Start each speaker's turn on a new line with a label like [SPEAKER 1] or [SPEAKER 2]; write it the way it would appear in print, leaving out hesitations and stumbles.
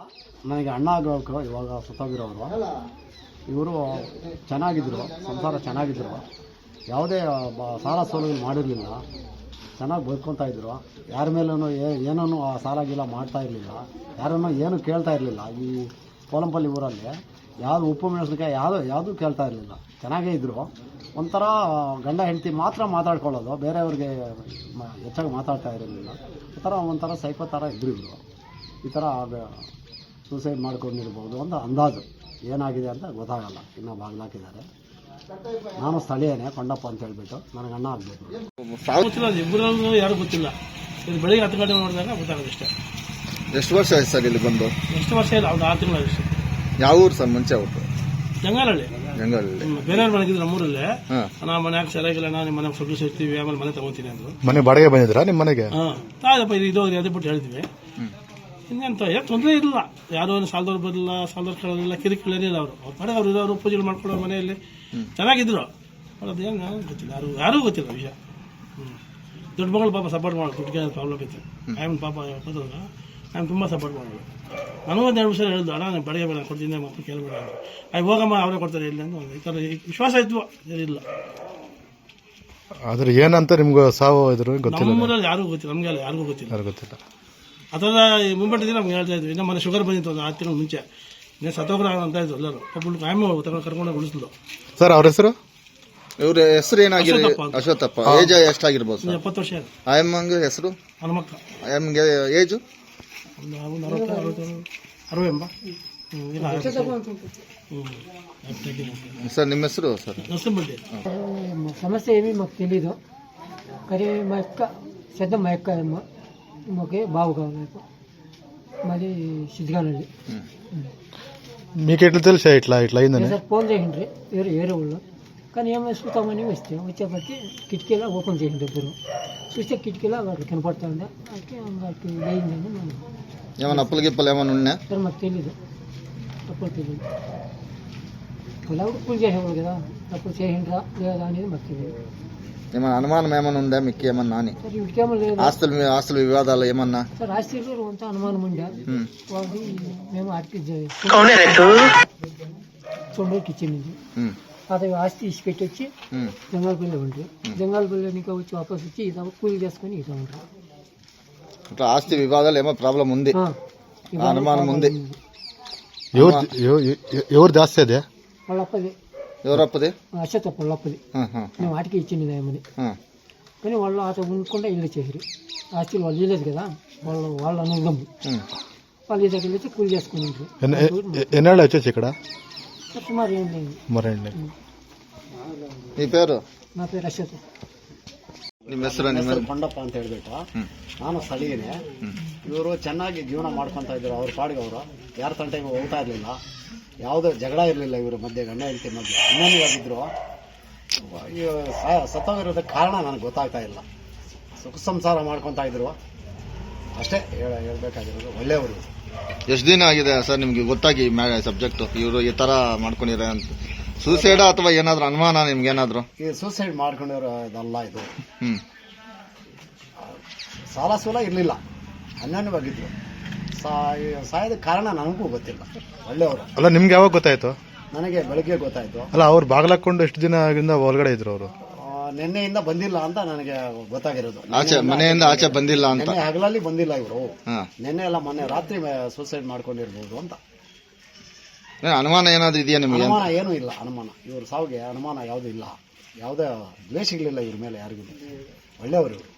[SPEAKER 1] ನನಗೆ ಅಣ್ಣ ಆಗಬೇಕು. ಇವಾಗ ಸತ್ತೋಗಿರೋರು ಇವರು ಚೆನ್ನಾಗಿದ್ದರು, ಸಂಸಾರ ಚೆನ್ನಾಗಿದ್ದರು, ಯಾವುದೇ ಸಾಲ ಸೋಲು ಮಾಡಿರಲಿಲ್ಲ, ಚೆನ್ನಾಗಿ ಬದುಕೊತಾ ಇದ್ದರು. ಯಾರ ಮೇಲೂ ಏನೂ ಸಾಲ ಗೀಲ ಮಾಡ್ತಾ ಇರಲಿಲ್ಲ, ಯಾರನ್ನೂ ಏನು ಕೇಳ್ತಾ ಇರಲಿಲ್ಲ. ಈ ಪೋಲಂಪಲ್ಲಿ ಊರಲ್ಲಿ ಯಾವುದು ಉಪ್ಪು ಮೆಣಸಿನಕಾಯಿ ಯಾವುದೂ ಕೇಳ್ತಾ ಇರಲಿಲ್ಲ, ಚೆನ್ನಾಗೇ ಇದ್ದರು. ಒಂಥರ ಗಂಡ ಹೆಂಡತಿ ಮಾತ್ರ ಮಾತಾಡ್ಕೊಳ್ಳೋದು, ಬೇರೆಯವ್ರಿಗೆ ಹೆಚ್ಚಾಗಿ ಮಾತಾಡ್ತಾ ಇರಲಿಲ್ಲ. ಒಂಥರ ಸೈಕೋ ಥರ ಇದ್ರು ಇವರು. ಈ ಥರ ಸೂಸೈಡ್ ಮಾಡ್ಕೊಂಡಿರ್ಬೋದು ಅಂತ ಅಂದಾಜು. ಏನಾಗಿದೆ ಅಂತ ಗೊತ್ತಾಗಲ್ಲ, ಇನ್ನೂ ಬಾಗಿಲಾಕಿದ್ದಾರೆ. ನಾನು ಸ್ಥಳೀಯನೇ, ಕೊಂಡಪ್ಪ ಅಂತ ಹೇಳ್ಬಿಟ್ಟು. ನನಗೆ ಅಣ್ಣ ಆಗಬೇಕು.
[SPEAKER 2] ಗೊತ್ತಿಲ್ಲ, ಇಬ್ಬರಲ್ಲೂ ಯಾರು ಗೊತ್ತಿಲ್ಲ. ಇದು ಬೆಳಿಗ್ಗೆ 10 ಗಂಟೆ ನೋಡಿದಾಗ ಗೊತ್ತಾಗೋದು ಇಷ್ಟೇ.
[SPEAKER 3] ಎಷ್ಟು ವರ್ಷ ಆಯ್ತು ಸರ್ ಇಲ್ಲಿ ಬಂದು?
[SPEAKER 2] ಎಷ್ಟು ವರ್ಷ ಇಲ್ಲ, ಒಂದು 6 ತಿಂಗಳು ಅಷ್ಟೇ.
[SPEAKER 3] ಯಾವ ಊರು ಸರ್? ಮುಂಚೆ ಊರು
[SPEAKER 2] ಜಂಗಾಲಹಳ್ಳಿ.
[SPEAKER 3] ಬೇರೆಯವ್ರ
[SPEAKER 2] ಮನೆಗಿದ್ರು ನಮ್ಮೂರಲ್ಲೇ. ನಾ ಮನ್ಯಾಗ ಸರಿಯಾಗಿಲ್ಲ, ನಾನು ನಿಮ್ಮ ಮನೆಗೆ ಸೊಗ್ಗು ಸಿಗ್ತೀವಿ, ಆಮೇಲೆ ಮನೆ ತಗೋತೀನಿ ಅಂದ್ರು.
[SPEAKER 3] ಮನೆ ಬಾಡಿಗೆ ಬಂದಿದ್ರಾ ನಿಮ್ಮ ಮನೆಗೆ?
[SPEAKER 2] ಆಯ್ತಪ್ಪ, ಇದು ಅದೇ ಬಿಟ್ಟು ಹೇಳ್ತೀವಿ. ಇನ್ನೆಂತ ತೊಂದರೆ ಇಲ್ಲ, ಯಾರು ಸಾಲದವ್ರು ಬರಲಿಲ್ಲ, ಸಾಲದವ್ರು ಕೇಳೋದಿಲ್ಲ, ಕಿರಿಕಿರಿಲ್ಲ. ಅವ್ರ ಪಡೆ ಅವ್ರು ಇರೋರು ಪೂಜೆಗಳು ಮಾಡ್ಕೊಳ್ಳೋ ಮನೆಯಲ್ಲಿ ಚೆನ್ನಾಗಿದ್ರು. ಅದೇನು ಗೊತ್ತಿಲ್ಲ, ಯಾರಿಗೂ ಗೊತ್ತಿಲ್ಲ ವಿಷಯ. ದೊಡ್ಡ ಮಗಳು ಪಾಪ ಸಪೋರ್ಟ್ ಮಾಡೋದು, ದುಡ್ಡಿಗೆ ಪ್ರಾಬ್ಲಮ್ ಇತ್ತು. ಆಯ್ತು ಪಾಪ ಕೂತದಾಗ ನಾನು ತುಂಬ ಸಪೋರ್ಟ್ ಮಾಡೋದು. ನನಗೂ ಒಂದು 2 ವರ್ಷ ಹೇಳಿದ್ದು, ಅಣ್ಣ ನಾನು ಬೆಳಗ್ಗೆ ಬೇಡ ಕೊಡ್ತೀನಿ, ಮಕ್ಕಳು ಕೇಳಬೇಡ ಅಂತ. ಹೋಗಮ್ಮ, ಅವರೇ ಕೊಡ್ತಾರೆ ಇಲ್ಲ ಅಂತ ಈ ಥರ ವಿಶ್ವಾಸ ಇದ್ವು. ಇಲ್ಲ
[SPEAKER 3] ಆದ್ರೆ ಏನಂತ ನಿಮ್ಗೆ ಸಾವು ಇದ್ರು ಗೊತ್ತಿಲ್ಲ?
[SPEAKER 2] ನಮ್ಮೂರಲ್ಲಿ ಯಾರಿಗೂ ಗೊತ್ತಿಲ್ಲ, ನಮಗೆಲ್ಲ ಯಾರಿಗೂ ಗೊತ್ತಿಲ್ಲ. ಆ ಥರ ಮುಂಬಟ್ಟಿದ್ರೆ ನಮ್ಗೆ ಹೇಳ್ತಾ ಇದ್ವಿ. ನಮ್ಮ ಮನೆ ಶುಗರ್ ಬಂದಿತ್ತು ಒಂದು 6 ತಿಂಗಳ ಮುಂಚೆ. ಇನ್ನೇ ಸತ್ತೋಗ್ರ ಅಂತ ಇದ್ರು ಎಲ್ಲರೂ. ಒಬ್ಬಳು ಆಯಮ್ಮ ಕರ್ಕೊಂಡು ಉಳಿಸಿದ್ಲು.
[SPEAKER 3] ಸರ್ ಅವ್ರ ಹೆಸರು? ಇವ್ರ ಹೆಸರು ಏನಾಗಿದೆ? ಅಶ್ವತ್ಥಪ್ಪ. ಏಜ್ ಎಷ್ಟಾಗಿರ್ಬೋದು?
[SPEAKER 2] 70 ವರ್ಷ.
[SPEAKER 3] ಆಯಮ್ಮಂಗೆ ಹೆಸರು?
[SPEAKER 2] ಹನುಮಕ್ಕ.
[SPEAKER 3] ಆಯಮ್ಮಗೆ ಏಜು?
[SPEAKER 2] ಒಂದು 60
[SPEAKER 3] ಸರ್ ನಿಮ್ಮ ಹೆಸರು? ಸರ್
[SPEAKER 4] సమస్య ఏమీ మాకు తెలీదు, కానీ మా యొక్క పెద్ద మా యొక్క మాకే బావు కావాలి. మాది సిద్ధిగానండి.
[SPEAKER 3] మీకు ఎట్లా తెలుసా ఇట్లా అయిందని?
[SPEAKER 4] సార్ ఫోన్ చేయండి వేరే వాళ్ళు, కానీ ఏమైనా చూస్తామని వచ్చేపట్టి కిటికీలా ఓపెన్ చేయండి. ఇద్దరు చూస్తే కిటికీలా వాడికి కనపడతా ఉండే, వాటికి వేయిందండి. మేము
[SPEAKER 3] ఏమైనా అప్పులు గిప్పలు ఏమైనా ఉన్నా?
[SPEAKER 4] సార్ మాకు తెలీదు, అప్పుడు తెలియదు. ఇలా పూజ చేసేవాళ్ళు కదా, అప్పుడు చేయండిరా లేదా అనేది మాకు తెలియదు.
[SPEAKER 3] ఏమన్నా అనుమానం ఏమన్నా ఉందా మీకు ఏమన్నా అని?
[SPEAKER 4] సార్ ఇంకేమో లేదు.
[SPEAKER 3] ఆస్తుల వివాదాలు ఏమన్నా?
[SPEAKER 4] సార్ ఆస్తిలో అంత అనుమానం ఉండే వాళ్ళది. మేము ఆర్టీ సొండూరుకి ఇచ్చింది. అది ఆస్తి ఇచ్చి పెట్టి వచ్చి జంగాలపల్లి ఉంటారు. జంగాలపల్లి ఇంకా వచ్చి వాపస్ వచ్చి ఇదా కూలి చేసుకుని ఇదా ఉంటారు.
[SPEAKER 3] ఇట్లా ఆస్తి వివాదాలు ఏమో ప్రాబ్లం ఉంది, అనుమానం ఉంది. ఎవరు దాస్తే అదే?
[SPEAKER 4] వాళ్ళప్పది.
[SPEAKER 3] ఎవరప్పది?
[SPEAKER 4] అశ్వత్థప్ప వాళ్ళప్పది. మేము వాటికి ఇచ్చింది ఏమని, కానీ వాళ్ళు అతను ఉండకుండా ఇల్లు చేసారు. ఆస్తిలు వాళ్ళు ఇవ్వలేదు కదా, వాళ్ళు అనుగమ్ము. వాళ్ళు ఈ దగ్గర వచ్చి కూలి చేసుకుని ఉంటారు.
[SPEAKER 3] ఎన్నాళ్ళు వచ్చేసి ఇక్కడ?
[SPEAKER 4] సుమారు ఏంటి.
[SPEAKER 3] మీ పేరు?
[SPEAKER 4] నా పేరు అశ్వత్.
[SPEAKER 1] ನಿಮ್ಮ ಹೆಸರು ಕೊಂಡಪ್ಪ ಅಂತ ಹೇಳ್ಬಿಟ್ಟು. ನಾನು ಸ್ಥಳೀಯನೇ. ಇವರು ಚೆನ್ನಾಗಿ ಜೀವನ ಮಾಡ್ಕೊತಾ ಇದ್ರು, ಅವ್ರ ಪಾಡಿಗೆ ಅವರು. ಯಾರ ತಂಟೆಗೂ ಹೋಗ್ತಾ ಇರಲಿಲ್ಲ, ಯಾವುದೇ ಜಗಳ ಇರಲಿಲ್ಲ ಇವರ ಮಧ್ಯೆ, ಗಂಡ ಹೆಂಡತಿ ಮಧ್ಯೆ ಅನ್ಯೋನ್ಯವಾಗಿದ್ದರು. ಸತ್ತೋಗಿರೋದಕ್ಕೆ ಕಾರಣ ನನಗೆ ಗೊತ್ತಾಗ್ತಾ ಇಲ್ಲ. ಸುಖ ಸಂಸಾರ ಮಾಡ್ಕೊತಾ ಇದ್ರು ಅಷ್ಟೇ ಹೇಳ್ಬೇಕಾಗಿರೋದು. ಒಳ್ಳೆಯವರು.
[SPEAKER 3] ಎಷ್ಟು ದಿನ ಆಗಿದೆ ಸರ್ ನಿಮ್ಗೆ ಗೊತ್ತಾಗಿ ಸಬ್ಜೆಕ್ಟ್ ಇವರು ಈ ತರ ಮಾಡ್ಕೊಂಡಿರ ಅಂತ? ಸೂಸೈಡ್ ಅಥವಾ ಏನಾದ್ರು ಅನುಮಾನ ನಿಮ್ಗೆ ಏನಾದ್ರು?
[SPEAKER 1] ಈ ಸೂಸೈಡ್ ಮಾಡ್ಕೊಂಡಿರೋ ಇದಲ್ಲ ಇದು. ಸಾಲ ಸೂಲ ಇರಲಿಲ್ಲ, ಅನ್ಯೋನ್ಯವಾಗಿದ್ರು. ಸಾಯದ ಕಾರಣ ನನಗೂ ಗೊತ್ತಿಲ್ಲ. ಒಳ್ಳೆಯವರು.
[SPEAKER 3] ಅಲ್ಲ ನಿಮ್ಗೆ ಯಾವಾಗ ಗೊತ್ತಾಯ್ತು?
[SPEAKER 1] ನನಗೆ ಬೆಳಗ್ಗೆ ಗೊತ್ತಾಯ್ತು.
[SPEAKER 3] ಅಲ್ಲ ಅವ್ರು ಬಾಗ್ಲಾಕೊಂಡು ಎಷ್ಟು ದಿನ ಒಳಗಡೆ ಇದ್ರು ಅವರು?
[SPEAKER 1] ನಿನ್ನೆಯಿಂದ ಬಂದಿಲ್ಲ ಅಂತ ನನಗೆ ಗೊತ್ತಾಗಿರೋದು.
[SPEAKER 3] ಮನೆಯಿಂದ ಆಚೆ ಬಂದಿಲ್ಲ ಅಂತ?
[SPEAKER 1] ಹಗಲಲ್ಲಿ ಬಂದಿಲ್ಲ ಇವರು. ನಿನ್ನೆ ಎಲ್ಲ ಮೊನ್ನೆ ರಾತ್ರಿ ಸೂಸೈಡ್ ಮಾಡ್ಕೊಂಡಿರ್ಬೋದು ಅಂತ.
[SPEAKER 3] ಅನುಮಾನ ಏನಾದ್ರು ಇದೆಯಾ ನಿಮಗೆ?
[SPEAKER 1] ಅನುಮಾನ ಏನೂ ಇಲ್ಲ. ಅನುಮಾನ ಇವ್ರ ಸಾವಿಗೆ ಅನುಮಾನ ಯಾವುದೂ ಇಲ್ಲ. ಯಾವುದೇ ದ್ವೇಷಗಳಿಲ್ಲ ಇವ್ರ ಮೇಲೆ ಯಾರಿಗೂ. ಒಳ್ಳೆಯವರು ಇವರು.